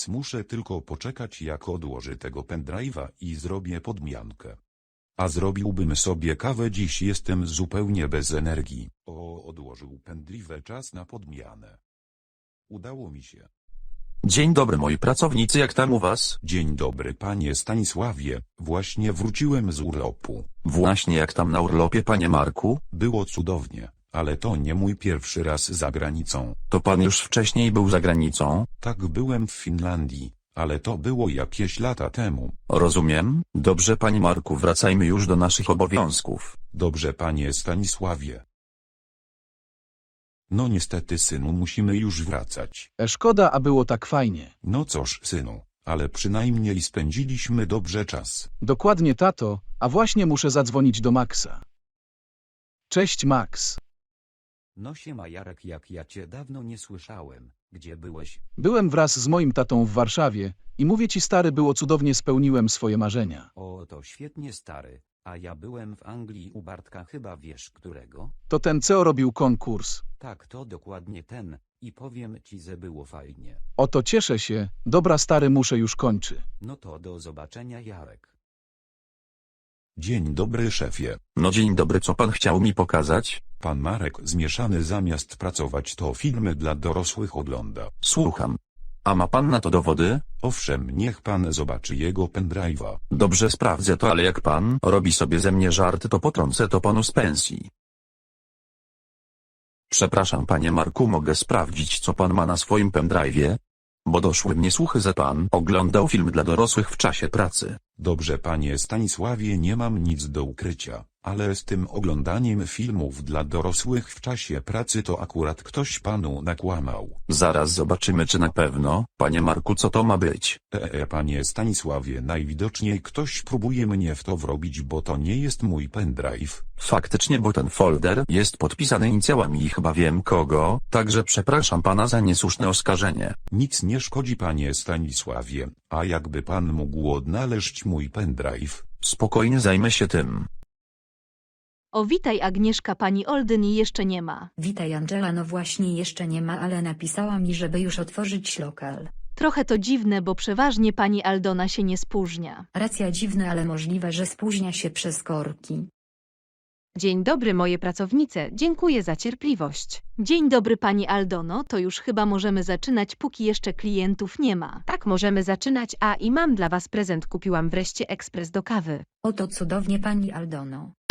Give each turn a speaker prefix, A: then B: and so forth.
A: Teraz muszę tylko poczekać, jak odłoży tego pendrive'a i zrobię podmiankę. A zrobiłbym sobie kawę, dziś jestem zupełnie bez energii. O, odłożył pendrive, czas na podmianę. Udało mi się.
B: Dzień dobry moi pracownicy, jak tam u was?
A: Dzień dobry panie Stanisławie, właśnie wróciłem z urlopu.
B: Właśnie jak tam na urlopie, panie Marku?
A: Było cudownie, ale to nie mój pierwszy raz za granicą.
B: To pan już wcześniej był za granicą?
A: Tak, byłem w Finlandii, ale to było jakieś lata temu.
B: Rozumiem. Dobrze panie Marku, wracajmy już do naszych obowiązków.
A: Dobrze panie Stanisławie. No niestety synu, musimy już wracać.
C: Szkoda, a było tak fajnie.
A: No cóż synu, ale przynajmniej spędziliśmy dobrze czas.
C: Dokładnie tato, a właśnie muszę zadzwonić do Maxa. Cześć Max.
D: No siema Jarek, jak ja cię dawno nie słyszałem. Gdzie byłeś?
C: Byłem wraz z moim tatą w Warszawie i mówię ci stary, było cudownie, spełniłem swoje marzenia.
D: O, to świetnie stary. A ja byłem w Anglii u Bartka, chyba wiesz którego?
C: To ten co robił konkurs.
D: Tak, to dokładnie ten. I powiem ci, że było fajnie.
C: Oto cieszę się. Dobra stary, muszę już kończy.
D: No to do zobaczenia Jarek.
A: Dzień dobry szefie.
B: No dzień dobry, co pan chciał mi pokazać?
A: Pan Marek Zmieszany zamiast pracować to filmy dla dorosłych ogląda.
B: Słucham. A ma pan na to dowody?
A: Owszem, niech pan zobaczy jego pendrive'a.
B: Dobrze, sprawdzę to, ale jak pan robi sobie ze mnie żarty, to potrącę to panu z pensji. Przepraszam panie Marku, mogę sprawdzić, co pan ma na swoim pendrive'ie? Bo doszły mnie słuchy, że pan oglądał film dla dorosłych w czasie pracy.
A: Dobrze panie Stanisławie, nie mam nic do ukrycia, ale z tym oglądaniem filmów dla dorosłych w czasie pracy to akurat ktoś panu nakłamał.
B: Zaraz zobaczymy, czy na pewno, panie Marku, co to ma być.
A: Panie Stanisławie, najwidoczniej ktoś próbuje mnie w to wrobić, bo to nie jest mój pendrive.
B: Faktycznie, bo ten folder jest podpisany inicjałami i chyba wiem kogo, także przepraszam pana za niesłuszne oskarżenie.
A: Nic nie szkodzi panie Stanisławie, a jakby pan mógł odnaleźć mój pendrive?
B: Spokojnie, zajmę się tym.
E: O, witaj Agnieszka, pani Olden jeszcze nie ma.
F: Witaj Angela, no właśnie jeszcze nie ma, ale napisała mi, żeby już otworzyć lokal.
E: Trochę to dziwne, bo przeważnie pani Aldona się nie spóźnia.
F: Racja, dziwne, ale możliwe, że spóźnia się przez korki.
G: Dzień dobry moje pracownice, dziękuję za cierpliwość.
E: Dzień dobry pani Aldono, to już chyba możemy zaczynać, póki jeszcze klientów nie ma.
G: Tak, możemy zaczynać, a i mam dla was prezent, kupiłam wreszcie ekspres do kawy.
F: Oto cudownie pani Aldono.